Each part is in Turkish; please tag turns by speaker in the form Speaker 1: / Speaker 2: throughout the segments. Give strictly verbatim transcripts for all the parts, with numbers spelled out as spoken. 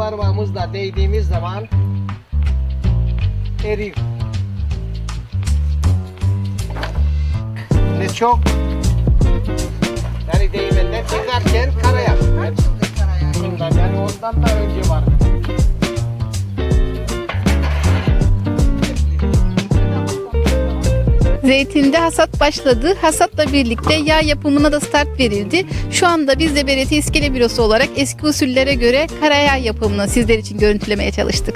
Speaker 1: parmağımızla değdiğimiz zaman eriyor. Ne çok yani değmeden çıkarken karaya. Bundan yani ondan da önce vardı.
Speaker 2: Zeytinde hasat başladı. Hasatla birlikte yağ yapımına da start verildi. Şu anda biz de B R T İskele Bürosu olarak eski usullere göre karayağ yapımını sizler için görüntülemeye çalıştık.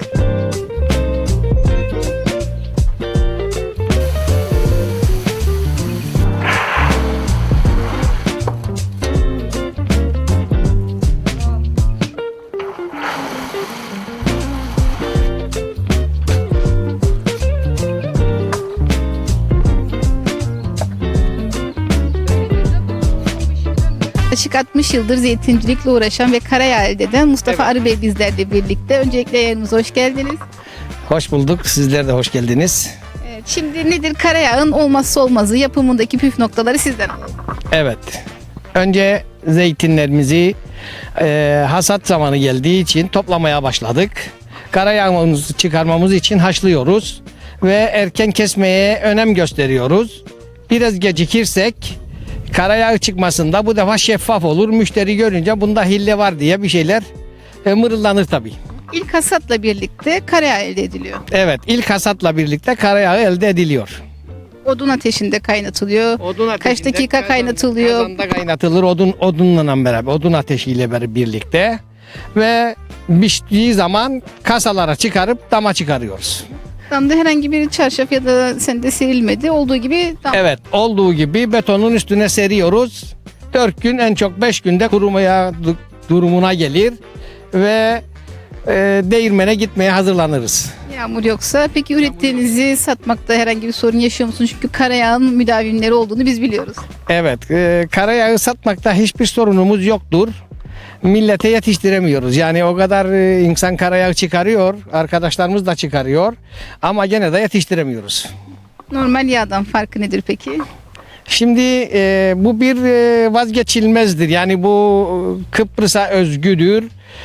Speaker 2: Yaklaşık altmış yıldır zeytincilikle uğraşan ve karayağ elde eden Mustafa
Speaker 1: Evet.
Speaker 2: Arı Bey bizlerle birlikte. Öncelikle yayınımıza hoş geldiniz.
Speaker 1: Hoş bulduk. Sizler de hoş geldiniz.
Speaker 2: Evet, şimdi nedir karayağın olmazsa olmazı, yapımındaki püf noktaları sizden alalım.
Speaker 1: Evet. Önce zeytinlerimizi e, hasat zamanı geldiği için toplamaya başladık. Karayağımızı çıkarmamız için haşlıyoruz ve erken kesmeye önem gösteriyoruz. Biraz gecikirsek karayağı çıkmasında bu defa şeffaf olur. Müşteri görünce bunda hille var diye bir şeyler e, mırıldanır tabii.
Speaker 2: İlk hasatla birlikte karayağ elde ediliyor.
Speaker 1: Evet, ilk hasatla birlikte karayağı elde ediliyor.
Speaker 2: Odun ateşinde kaynatılıyor.
Speaker 1: Odun
Speaker 2: Kaç
Speaker 1: ateşinde
Speaker 2: dakika
Speaker 1: kazan-
Speaker 2: kaynatılıyor?
Speaker 1: Kazanda kaynatılır odun odunla beraber, odun ateşiyle beraber birlikte ve piştiği zaman kasalara çıkarıp dama çıkarıyoruz.
Speaker 2: Damda herhangi bir çarşaf ya da sende serilmedi. Olduğu gibi dam.
Speaker 1: Evet, olduğu gibi betonun üstüne seriyoruz. dört gün en çok beş günde kurumaya du- durumuna gelir ve e, değirmene gitmeye hazırlanırız.
Speaker 2: Yağmur yoksa. Peki ürettiğinizi satmakta herhangi bir sorun yaşıyor musunuz? Çünkü karayağın müdavimleri olduğunu biz biliyoruz.
Speaker 1: Evet, e, karayağı satmakta hiçbir sorunumuz yoktur. Millete yetiştiremiyoruz. Yani o kadar e, insan karayağı çıkarıyor, arkadaşlarımız da çıkarıyor ama gene de yetiştiremiyoruz.
Speaker 2: Normal yağdan farkı nedir peki?
Speaker 1: Şimdi e, bu bir e, vazgeçilmezdir. Yani bu e, Kıbrıs'a özgüdür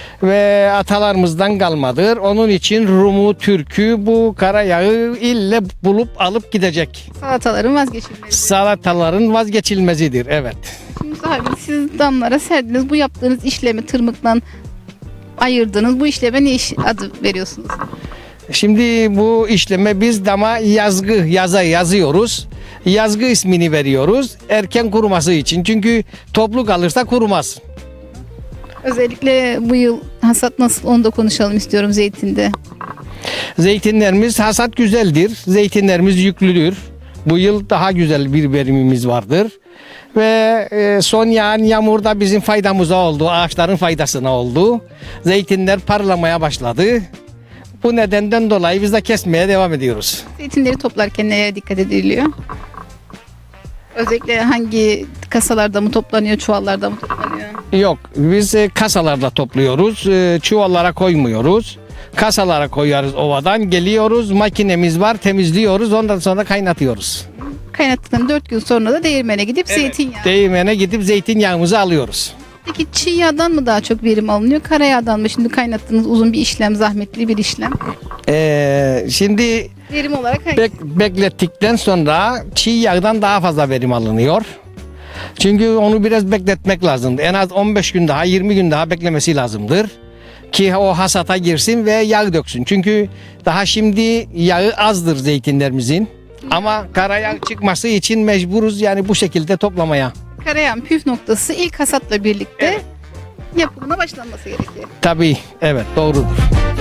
Speaker 1: ve atalarımızdan kalmadır. Onun için Rumu, Türk'ü bu karayağı ille bulup alıp gidecek.
Speaker 2: Salataların vazgeçilmezi.
Speaker 1: Salataların vazgeçilmezidir. Evet.
Speaker 2: Şimdi Mustafa abi, siz damlara serdiniz. Bu yaptığınız işlemi tırmıktan ayırdınız. Bu işleme ne iş adı veriyorsunuz?
Speaker 1: Şimdi bu işleme biz dama yazgı yaza yazıyoruz. Yazgı ismini veriyoruz. Erken kuruması için. Çünkü toplu kalırsa kurumaz.
Speaker 2: Özellikle bu yıl hasat nasıl, onu da konuşalım istiyorum zeytinde.
Speaker 1: Zeytinlerimiz hasat güzeldir. Zeytinlerimiz yüklüdür. Bu yıl daha güzel bir verimimiz vardır. Ve e, son yağan yağmur da bizim faydamıza oldu. Ağaçların faydasına oldu. Zeytinler parlamaya başladı. Bu nedenden dolayı biz de kesmeye devam ediyoruz.
Speaker 2: Zeytinleri toplarken neye dikkat ediliyor? Özellikle hangi kasalarda mı toplanıyor, çuvallarda mı toplanıyor?
Speaker 1: Yok, biz e, kasalarda topluyoruz. E, çuvallara koymuyoruz. Kasalara koyarız ovadan. Geliyoruz, makinemiz var, temizliyoruz. Ondan sonra kaynatıyoruz.
Speaker 2: Kaynattıktan dört gün sonra da değirmene gidip zeytinyağı.
Speaker 1: Değirmene gidip zeytinyağımızı alıyoruz.
Speaker 2: Peki çiğ yağdan mı daha çok verim alınıyor, karayağdan mı? Şimdi kaynattığınız uzun bir işlem, zahmetli bir işlem.
Speaker 1: E, şimdi
Speaker 2: Verim olarak hangi?
Speaker 1: bek- beklettikten sonra çiğ yağdan daha fazla verim alınıyor. Çünkü onu biraz bekletmek lazım. En az on beş gün daha, yirmi gün daha beklemesi lazımdır. Ki o hasata girsin ve yağ döksün. Çünkü daha şimdi yağı azdır zeytinlerimizin. Ama karayağ çıkması için mecburuz yani bu şekilde toplamaya.
Speaker 2: Karayağın püf noktası ilk hasatla birlikte
Speaker 1: Evet.
Speaker 2: yapımına başlanması gerekiyor.
Speaker 1: Tabii, evet doğrudur.